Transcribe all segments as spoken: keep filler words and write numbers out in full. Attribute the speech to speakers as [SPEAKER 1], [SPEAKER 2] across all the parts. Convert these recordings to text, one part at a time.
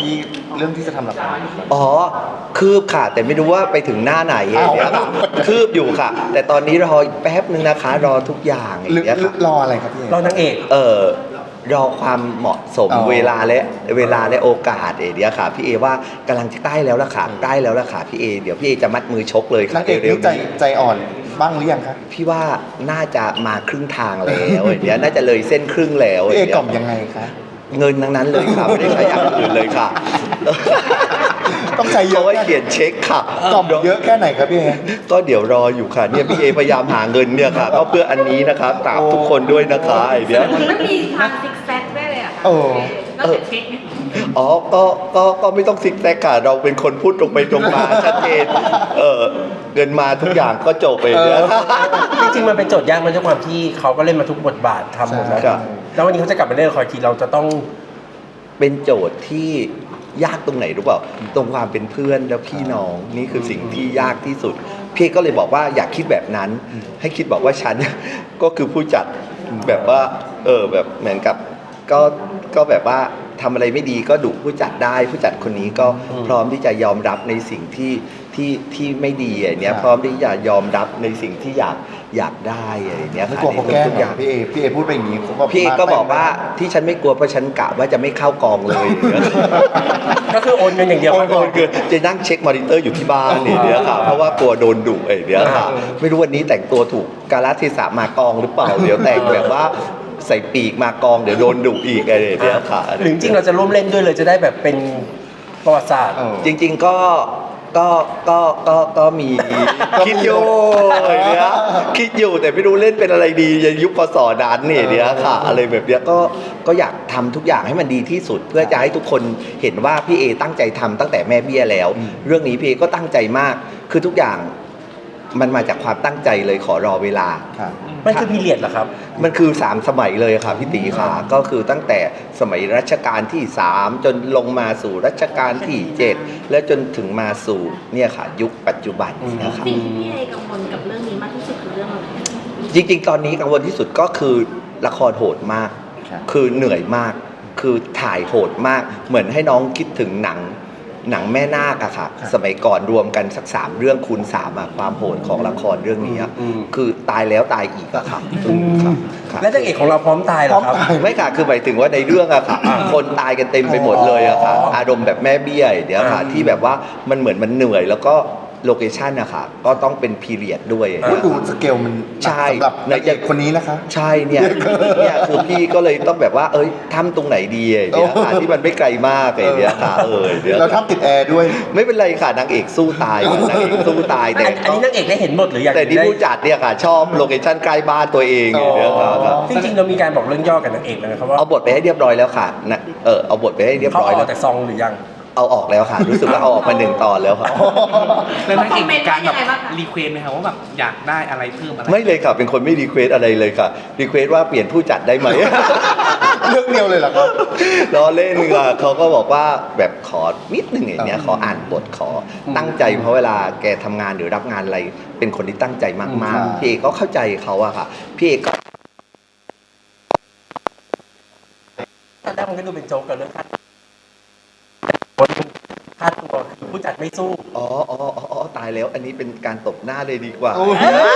[SPEAKER 1] ที่เรื่องที่จะทำละคร
[SPEAKER 2] อ๋อคืบค่ะแต่ไม่รู้ว่าไปถึงหน้าไหนอย่างเงี้ยค่ะคืบอยู่ค่ะ แต่ตอนนี้รอแป๊บนึงนะคะรอทุกอย่างอย่างเงี้ยค่ะ
[SPEAKER 1] รออะไรครับพี่
[SPEAKER 3] เรานางเอก
[SPEAKER 2] เออรอความเหมาะสม
[SPEAKER 1] อ๋อ
[SPEAKER 2] เวลาและเวลาและโอกาสเอเดียค่ะพี่เอว่ากำลังจะใกล้แล้วล่ะค่ะใกล้แล้วล่ะค่ะพี่เอเดี๋ยวพี่เอจะมัดมือชกเลยค่ะ
[SPEAKER 1] นางเอก
[SPEAKER 2] เร็ว
[SPEAKER 1] นี่
[SPEAKER 2] ๆ
[SPEAKER 1] ใจ
[SPEAKER 2] นี้
[SPEAKER 1] ใจอ่อนบ้างหรือยังคะ
[SPEAKER 2] พี่ว่าน่าจะมาครึ่งทางแล้วเดี๋ยวน่าจะเลยเส้นครึ่งแล้ว
[SPEAKER 1] พี่เอ
[SPEAKER 2] ดี๋ว
[SPEAKER 1] กล่อมยังไงคะ
[SPEAKER 2] เงินทั้งนั้นเลยค่ะไม่ได้ใช้อย่างอื่นเลยค่ะ
[SPEAKER 1] ต้องใช้เยอะ
[SPEAKER 2] เขาไว้เขียนเช็คค่ะ
[SPEAKER 1] กล่อมเยอะแค่ไหนครับพี่เอ
[SPEAKER 2] ก็เดี๋ยวรออยู่ค่ะเนี่ยพี่เอพยายามหาเงินเนี่ยค่ะก็เพื่ออันนี้นะคะกราบทุกคนด้วยนะคะไอเดีย
[SPEAKER 4] มันมีทางซิกแซกได้เลยอะค่ะ
[SPEAKER 1] โอ้
[SPEAKER 4] นอกจากเช็คเนี่ย
[SPEAKER 2] อ๋อก็ก็ก็ไม่ต้องซิกแซกค่ะเราเป็นคนพูดตรงไปตรงมาชัดเจนเออเงินมาทุกอย่างก็จบไปเนี่ย
[SPEAKER 3] จริงๆมันเป็นโจทย์ยากมันด้วยความที่เขาก็เล่นมาทุกบทบาททำหมดแล้ว
[SPEAKER 2] ครับ
[SPEAKER 3] แล้ววันนี้เขาจะกลับมาเล่นละครทีเราจะต้อง
[SPEAKER 2] เป็นโจทย์ที่ยากตรงไหนรู้เปล่าตรงความเป็นเพื่อนและพี่น้องนี่คือสิ่งที่ยากที่สุดพี่ก็เลยบอกว่าอยากคิดแบบนั้น ให้คิดบอกว่าฉัน ก็คือผู้จัดแบบว่าเออแบบเหมือนกับก็ก็แบบว่าทำอะไรไม่ดีก็ดุผู้จัดได้ผู้จัดคนนี้ก็
[SPEAKER 3] อืม
[SPEAKER 2] พร้อมที่จะยอมรับในสิ่งที่ที่ที่ไม่ดีอย่างเนี้ย
[SPEAKER 1] ครับ
[SPEAKER 2] พร้อมที่จะยอมรับในสิ่งที่อยากอยากได้อย่างเนี้ย
[SPEAKER 1] ไม่
[SPEAKER 2] ค่ะ
[SPEAKER 1] กลัวเขาแกล้ง
[SPEAKER 2] ทุก
[SPEAKER 1] เห
[SPEAKER 2] อ
[SPEAKER 1] รอย่าง พี่เอพี่เอพูดไปอย่างนี้เขาก็
[SPEAKER 2] พี่ก็บอกว่าที่ฉันไม่กลัวเพราะฉันกะว่าจะไม่เข้ากองเลย
[SPEAKER 3] ก็คือโอนเงินอย่างเดียว
[SPEAKER 2] โอนโอนคือจะนั่งเช็คมอนิเตอร์อยู่ที่บ้านเนี่ยเดี๋ยวค่ะเพราะว่ากลัวโดนดุไอ้เดี๋ยวค่ะไม่รู้วันนี้แต่งตัวถูกกาลเทศะมากองหรือเปล่าเดี๋ยวแต่งแบบว่าใส่ปีกมากองเดี๋ยวโดนดุอีกไอ้เดี๋ยวค่ะ
[SPEAKER 3] หรือจริงๆเราจะร่วมเล่นด้วยเลยจะได้แบบเป็นประวัติศาสตร์
[SPEAKER 1] เออ
[SPEAKER 2] จริง ๆก็ก็ก็ก็ก็มีคิดอยู่เนี่ยคิดอยู่แต่ไม่รู้เล่นเป็นอะไรดีในยุคพศนั้นเนี่ยเดี๋ยวค่ะ อะไรแบบเนี้ยก็ก็อยากทำทุกอย่างให้มันดีที่สุด เพื่อจะให้ทุกคนเห็นว่าพี่เอตั้งใจทำตั้งแต่แม่เบี้ยแล้ว เรื่องนี้พี่เอก็ตั้งใจมากคือทุกอย่างมันมาจากความตั้งใจเลยขอรอเวลา
[SPEAKER 1] ครับ
[SPEAKER 3] มันคือพีเรียดเหรอครับ
[SPEAKER 2] มันคือสามสมัยเลยค่ะพี่ตีค่ะก็คือตั้งแต่สมัยรัชกาลที่สามจนลงมาสู่รัชกาลที่เจ็ดและจนถึงมาสู่เนี่ยค่ะ ยุคปัจจุบันนะคะ
[SPEAKER 4] สิ่งที่พี่เอกังวลกับเรื่องนี้มากที่สุดคือเรื่องอะไร
[SPEAKER 2] จริงๆ ตอนนี้กังวลที่สุดก็คือละครโหดมาก
[SPEAKER 1] ครับ
[SPEAKER 2] คือเหนื่อยมาก คือถ่ายโหดมาก เหมือนให้น้องคิดถึงหนังหนังแม่นาคอะค่ะ สมัยก่อนรวมกันสักสามเรื่องคูณสามอะความโหดของละครเรื่องนี้อะ
[SPEAKER 3] อืม
[SPEAKER 2] คือตายแล้วตายอีกอะค่ะครับครับ
[SPEAKER 3] และนางเอกของเราพร้อมตายเหรอครับ
[SPEAKER 1] พร้อมตาย
[SPEAKER 2] ไม่ค่ะ คือหมายถึงว่าในเรื่องอะค่ะ คนตายกันเต็มไปหมดเลยอะค่ะ
[SPEAKER 3] อ๋ออ
[SPEAKER 2] อารมณ์แบบแม่เบี้ยเดี๋ยวค่ะ
[SPEAKER 3] อ่า
[SPEAKER 2] ที่แบบว่ามันเหมือนมันเหนื่อยแล้วก็โลเคชันอะค่ะ ก็ต้องเป็นพีเรียดด้วย
[SPEAKER 1] พูดดูสเกลมันหนัก
[SPEAKER 2] ใช่
[SPEAKER 1] สำหรับนางเอกคนนี้นะคะ
[SPEAKER 2] ใช่เนี่ยเนี่ยคือพี่ก็เลยต้องแบบว่า เอ้ยทำตรงไหนดีไอ้เดี๋ยวค่ะที่มันไม่ไกลมากไอ้เดี๋ยวค่ะเออเดี๋ยว
[SPEAKER 1] เราทำติดแอร์ด้วย
[SPEAKER 2] ไม่เป็นไรค่ะนางเอกสู้ตายค่ะนางเอกสู้ตายแต่
[SPEAKER 3] อันอันนี้นางเอกได้เห็นหมดหรือยัง
[SPEAKER 2] แต่ที่
[SPEAKER 3] ได้
[SPEAKER 2] ผู้จัดเนี่ยค่ะ ชอบโลเคชั่นใกล้บ้านตัวเองไอ้เดี๋ยวค่ะครับ
[SPEAKER 3] จริงๆเรามีการบอกเรื่องย่อกับนางเอกนะครับว่า
[SPEAKER 2] เอาบทไปให้เรียบร้อยแล้วค่ะนะเออเอาบทไปให้เรียบ
[SPEAKER 3] เขา
[SPEAKER 2] ร้อย
[SPEAKER 3] อ
[SPEAKER 2] แล้
[SPEAKER 3] อ
[SPEAKER 2] ว
[SPEAKER 3] กแต่ซองหรือยัง
[SPEAKER 2] เอาออกแล้วค่ะ รู้สึกว่าเอาออกมาหนึ่งตอนแล้วค่ะ
[SPEAKER 5] แล้วนางเอกมีการแบบ
[SPEAKER 4] คอมเมนต์ว่ายังไงบ้างคะ
[SPEAKER 5] รีเควสไหมครับว่าแบบอยากได้อะไรเพิ่มอะไร
[SPEAKER 2] ไม่เลยค่ะเป็นคนไม่รีเควสอะไรเลยค่ะรีเควสว่าเปลี่ยนผู้จัดได้ไหม
[SPEAKER 1] เรื่องเดียวเลยเหรอครับ
[SPEAKER 2] ล้อเล่นค่ะเขาก็บอกว่าแบบขอนิดหนึ่งอย่างเงี้ยขออ่านบทขอตั้งใจเพราะเวลาแกทำงานหรือรับงานอะไรเป็นคนที่ตั้งใจมาก
[SPEAKER 1] ครั
[SPEAKER 2] ๆ
[SPEAKER 1] บ
[SPEAKER 2] พี่เอกก็เข้าใจเขาอะค่ะพี่เอกก็
[SPEAKER 3] ตอนแรกมันก็ดูเป็นโจ๊กกับเรื่องค่าค่าตัวคือผู้จัดไม่สู้
[SPEAKER 2] อ๋ออ๋ออ๋ออ๋อตายแล้ว อันนี้เป็นการตบหน้าเลยดีกว่า
[SPEAKER 1] โอ้ย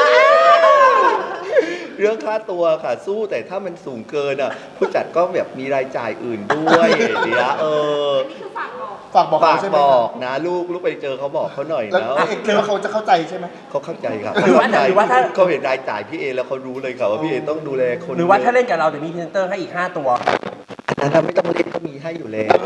[SPEAKER 2] เรื่องค่าตัวค่ะสู้แต่ถ้ามันสูงเกินอ่ะผู้จัดก็แบบมีรายจ่ายอื่นด้วยเดี๋ยวเออ
[SPEAKER 4] อันนี้คือฝากบอก
[SPEAKER 1] ฝากบอก
[SPEAKER 2] ฝา
[SPEAKER 1] เขา
[SPEAKER 2] ก
[SPEAKER 1] ใช่ไหม
[SPEAKER 2] บอกนะลูกลูกไปเจอเขาบอกเขาหน่อย
[SPEAKER 1] แล้ว
[SPEAKER 2] นะ
[SPEAKER 1] นางเอกคิดว่าเขาจะเข้าใจใช่ไหม
[SPEAKER 2] เขาเข้าใจครับ
[SPEAKER 3] หรือว่าหรือว่าถ้า
[SPEAKER 2] เขาเห็นรายจ่ายพี่เอแล้วเขารู้เลยค่ะว่าพี่เอต้องดูแลคน
[SPEAKER 3] หรือว่าถ้าเล่นกับเราเดี๋ยวมีพรีเซนเตอร์ให้อีกห้าตัว
[SPEAKER 2] อันนั้นไม่ต้องเล่นก็มีให้อยู่แล้ว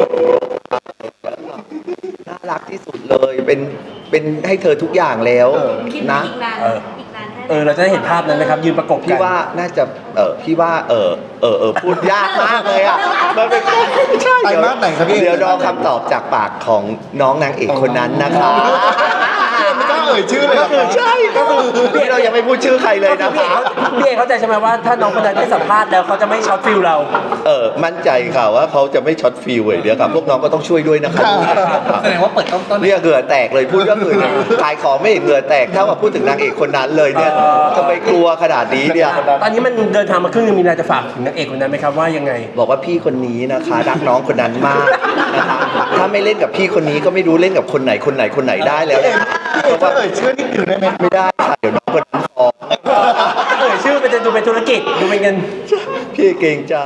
[SPEAKER 2] น่ารักที่สุดเลยเป็นเป็นให้เธอทุกอย่างแล้ว
[SPEAKER 1] เออ
[SPEAKER 4] คิด
[SPEAKER 2] นะ
[SPEAKER 4] อีกนาน
[SPEAKER 3] เออ
[SPEAKER 4] อีกนานแค่ไหน
[SPEAKER 3] เออเราจะได้เห็นภาพนั้นไหมครับ ยืนประกบกั
[SPEAKER 2] พี่
[SPEAKER 3] น
[SPEAKER 2] ว่าน่าจะเออพี่ว่าเออเออเออพูดยากมากเลยอ่ะมันเป็นใช่
[SPEAKER 1] ไตรมาสไหนครับพี่
[SPEAKER 2] เดี๋ยวรอคำตอบจากปากของน้องนางเอกคนนั้นนะคะ
[SPEAKER 1] ไม่กล้าเอ่ยชื่อเลยเหรอ
[SPEAKER 2] ก็คือใช่ก็คือนี่เรายังไม่พูดชื่อใครเลยนะ
[SPEAKER 3] พี่เอ
[SPEAKER 2] คะ
[SPEAKER 3] เขาพี่เอเข้าใจใช่ไหมว่าถ้าน้องคนนั้นได้สัมภาษณ์แล้วเขาจะไม่ช็อตฟิลเรา
[SPEAKER 2] เออมั่นใจค่ะว่าเขาจะไม่ช็อตฟิลเลยเดี๋ยวครับพวกน้องก็ต้องช่วยด้วยนะคะ
[SPEAKER 5] แสดงว่าเปิดต้นต้น
[SPEAKER 2] เนี่ยเหงื่อแตกเลยพูดก็คือขายของไม่เห็นเหงื่อแตกเท่ากับพูดถึงนางเอกคนนั้นเลยเนี่ยทำไมกลัวขนาดนี้เนี่ย
[SPEAKER 3] ตอนนี้มันเดินทางมาครึ่งนึงมีอะไรจะฝากถึงนางเอกคนนั้นไหมครับว่ายังไง
[SPEAKER 2] บอกว่าพี่คนนี้นะคะรักน้องคนนั้นมากนะคะถ้าไม่เล่นกับพี่คนนี้ก็ไม่รู้เล่นกับคนไหนคนไหนคนไหนได้แล้ว
[SPEAKER 1] พี่เอกจะเอ่ยชื่อนิดหนึ่งได้ไหม
[SPEAKER 2] ไม่ได้ค่ะเดี๋ยวน้องคนนั้นฟ้อง
[SPEAKER 3] เออชื่อมันจะดูเป็นธุรกิจดูเป็นเงิน
[SPEAKER 2] พี่เกรงใจ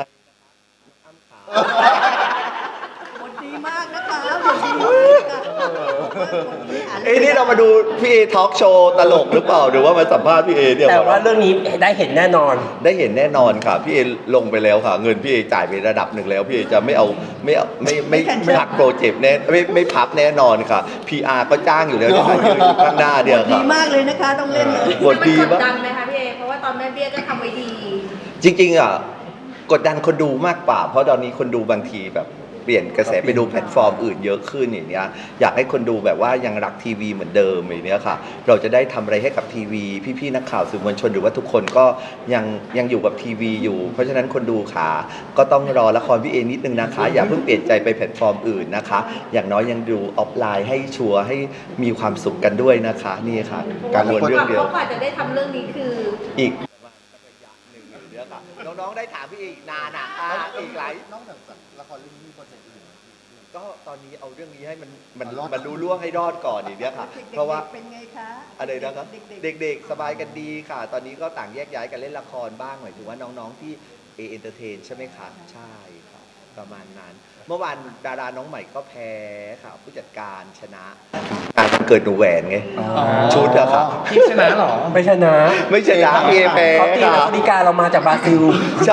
[SPEAKER 6] บทดีมากนะคะบทดีมากค่ะ
[SPEAKER 2] เอ้ยนี่เรามาดูพี่เอทอล์กโชว์ตลกหรือเปล่าหรือว่ามาสัมภาษณ์พี่เอเนี่ย
[SPEAKER 3] แต่ว่าเรื่องนี้ได้เห็นแน่นอน
[SPEAKER 2] ได้เห็นแน่นอนค่ะพี่เอลงไปแล้วค่ะ เงินพี่เอจ่ายไประดับหนึ่งแล้วพี่เอจะไม่เอาไม่เอาไม่ไม่ไม่พักโปรเจกต์แน่ไม่ไม่พับแน่นอนค่ะ พี อาร์ ก็จ้างอยู่แล้วเนี่ยค่ะยืนอยู่ข้างหน้าเดียว
[SPEAKER 6] ดี
[SPEAKER 2] ค่ะ
[SPEAKER 6] มากเลยนะคะต้องเล่นเลย
[SPEAKER 2] บทดี
[SPEAKER 4] มันก
[SPEAKER 2] มาก
[SPEAKER 4] ดดันไหมคะพี่เอเพราะว่าตอนแม่เบี้ยก็ทำไว้ดี
[SPEAKER 2] จริงๆอ่ะกดดันคนดูมากกว่า เพราะตอนนี้คนดูบางทีแบบเปลี่ยนกระแสไปดูแพลตฟอร์มอื่นเยอะขึ้นอย่างเนี้ยอยากให้คนดูแบบว่ายังรักทีวีเหมือนเดิมอย่างเนี้ยค่ะ เราจะได้ทำอะไรให้กับทีวีพี่ๆนักข่าวสื่อมวลชนหรือว่าทุกคนก็ยังยังอยู่กับทีวีอยู่ เพราะฉะนั้นคนดูขาก็ต้องรอละครพี่เอนิดนึงนะคะ อย่าเพิ่งเปลี่ยนใจไปแพลตฟอร์มอื่นนะคะ อย่างน้อยยังดูออฟไลน์ให้ชัวร์ให้มีความสุขกันด้วยนะคะนี่ค่ะ การวนเรื่องเดียว
[SPEAKER 4] เพราะกว่าจะได้ทำเรื่องนี้คือ
[SPEAKER 2] อีกหนึ่งเรื่องค่ะน้องๆได้ถามพี่เออีกนานอ่ะอ่าอีกหลาย
[SPEAKER 1] นอกจากละครเรื่องนี้มีโปรเจกต์อื่นไหม
[SPEAKER 2] ก็ตอนนี้เอาเรื่องนี้ให้มันมัน
[SPEAKER 1] เอารอด
[SPEAKER 2] มันรู้ล่วงให้รอดก่อนอย่างเนี้ยค่ะ
[SPEAKER 6] ด็กๆ
[SPEAKER 2] เพราะว่า
[SPEAKER 6] เป็นไงคะ
[SPEAKER 2] อะไรนะครับ
[SPEAKER 6] เด็กๆ
[SPEAKER 2] เด็กๆ สบายกันดีค่ะ ตอนนี้ก็ต่างแยกย้ายกันเล่นละครบ้างหมายถึงว่าน้องๆที่เอเอนเตอร์เทนใช่ไหมคะใช่ค่ะประมาณนั้น เมื่อวานดาราน้องใหม่ก็แพ้ค่ะผู้จัดการชนะงานวันเกิดหนูแหวนไงชุดอะค่ะ
[SPEAKER 5] พี่ชนะเหรอ
[SPEAKER 3] ไม่ชนะ
[SPEAKER 2] ไม่ชนะพี่เอแพ้
[SPEAKER 3] เขาตี
[SPEAKER 2] ค่ะ
[SPEAKER 3] นักบริการเรามาจากบราซิล
[SPEAKER 2] ใช่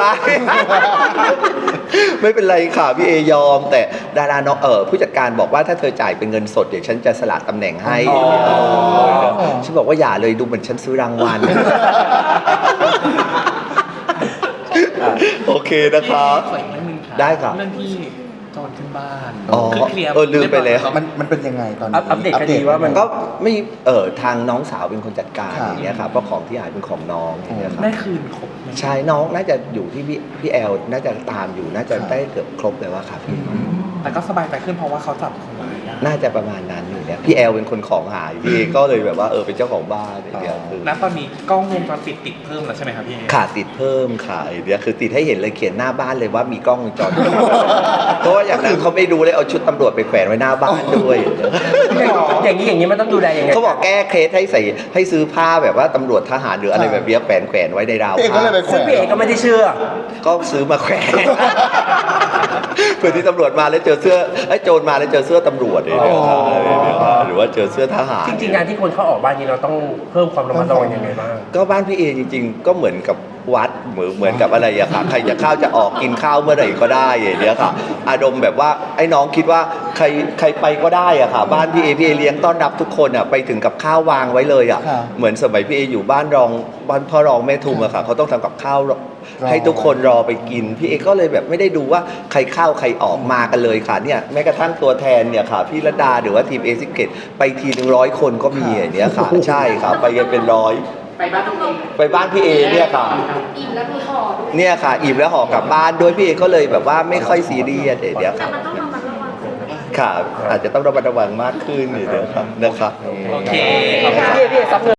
[SPEAKER 2] ไม่เป็นไรค่ะพี่เอยอม แต่ดาราน้องเออผู้จัดการบอกว่าถ้าเธอจ่ายเป็นเงินสดเดี๋ยวฉันจะสละตำแหน่งให้
[SPEAKER 3] อ๋อ
[SPEAKER 2] ฉันบอกว่าอย่าเลยดูเหมือนฉันซื้อรางวัล โอเคนะคะ
[SPEAKER 5] ขออีกเรื่องหนึงค่ะ
[SPEAKER 2] ได้ค่ะ
[SPEAKER 5] เรื่องที่โจรขึ้นบ้าน
[SPEAKER 2] อ๋อ
[SPEAKER 5] คือเคลียร์
[SPEAKER 2] เออลืมไปแล้ว
[SPEAKER 1] มันมันเป็นยังไงตอนนี้
[SPEAKER 3] อัปอัปเดตคดีว่ามัน
[SPEAKER 2] ก็ไม่เออทางน้องสาวเป็นคนจัดการ
[SPEAKER 1] ค่ะ
[SPEAKER 2] อย่างเงี้ยค่ะเพราะของที่หายเป็นของน้องอย่างเงี้ยค่ะ
[SPEAKER 5] ได้คืนครบไหม
[SPEAKER 2] ใช่น้องน่าจะอยู่ที่พี่พี่แอลน่าจะตามอยู่น่าจะได้เกือบครบแล้วอะค่ะพี่
[SPEAKER 5] แต่ก็สบายใจขึ้นเพราะว่าเขาจับคนร้ายได้
[SPEAKER 2] น่าจะประมาณนั้นอยู่เนี่ยพี่แอลเป็นคนของหายพี่เอก็เลยแบบว่าเออเป็นเจ้าของบ้านอย่างเงี้ยคือ
[SPEAKER 5] ณตอนนี้กล้องวงจรปิดติดเพิ่มแล้วใช่ไหมครับพี่เอ
[SPEAKER 2] ขาดติดเพิ่มค่ะไอเดียคือติดให้เห็นเลยเขียนหน้าบ้านเลยว่ามีกล้องวงจรปิด เพราะว่าอย่างนั้นเขาไม่ดูเลยเอาชุดตำรวจไปแขวนไว้หน้าบ้านด้วย
[SPEAKER 3] อย่างนี้อย่างนี้มันต้องดูแลยังไง
[SPEAKER 2] เขาบอกแก้เคสให้ใส่ให้ซื้อผ้าแบบว่าตำรวจทหารหรืออะไรแบบเนี้ยแขวนแขวนไว้ในราว
[SPEAKER 1] พี่เอกก็
[SPEAKER 2] ผ้า
[SPEAKER 1] เลยไปแขว
[SPEAKER 3] ซึ่ง
[SPEAKER 1] น
[SPEAKER 3] พี่เอกก็ไม่ได้เชื่อ
[SPEAKER 2] ก็ซื้อมาแขวน เพื่อที่ตำรวจมาแล้วเจอเสื้อไอ้โจรมาแล้วเจอเสื้อตำรวจอย่างเงี้ยค่ะหรือว่าเจอเสื้อทหาร
[SPEAKER 3] จริงๆงานที่คนเข้าออกบ้านนี้เราต้องเพิ่มความระมัดระวังยังไงบ้าง
[SPEAKER 2] ก็บ้านพี่เอจริงๆ ก็เหมือนกับวัดเหมือนเหมือนกับอะไรอะค่ะใครจะเข้าจะออกกินข้าวเมื่อไหร่ก็ได้อย่างเงี้ยค่ะ อารมณ์แบบว่าไอ้น้องคิดว่าใครใครไปก็ได้อะค่ะ บ้านพี่เอพี่เอเลี้ยงต้อนรับทุกคนอะไปถึงกับข้าววางไว้เลยอะ
[SPEAKER 1] ค่ะ
[SPEAKER 2] เหมือนสมัยพี่เออยู่บ้านรองบ้านพ่อรองแม่ทุมอะค่ะเขาต้องทำกับข้าวให้ทุกคนรอไปกินพี่เอก็เลยแบบไม่ได้ดูว่าใครเข้าใครออกมากันเลยค่ะเนี่ยแม้กระทั่งตัวแทนเนี่ยค่ะพี่ระดาหรือว่าทีมเอซิเกตไปทีหนึ่งร้อยคนก็มีอย่างเนี้ยค่ะใช่ค่ะไปกันเป็นร้อย
[SPEAKER 4] ไปบ้านต้องลง
[SPEAKER 2] ไปบ้านพี่เอเนี่ยค่ะ
[SPEAKER 4] อิ่มแล้วมีห่อด้วย
[SPEAKER 2] เนี่ยค่ะอิ่มแล้วห่อกลับบ้านด้วยพี่เอก็เลยแบบว่าไม่ค่อยซีเรียสเดี๋ยว
[SPEAKER 4] แต่
[SPEAKER 2] ค่ะ
[SPEAKER 4] มันต้องระมัดระวังขึ้นไหม
[SPEAKER 2] ค่ะ อาจจะต้องระมัดระวังมากขึ้นเดี๋ยวครับนะครับ
[SPEAKER 5] โอเค
[SPEAKER 3] พี่เอพี่เอซับเงิน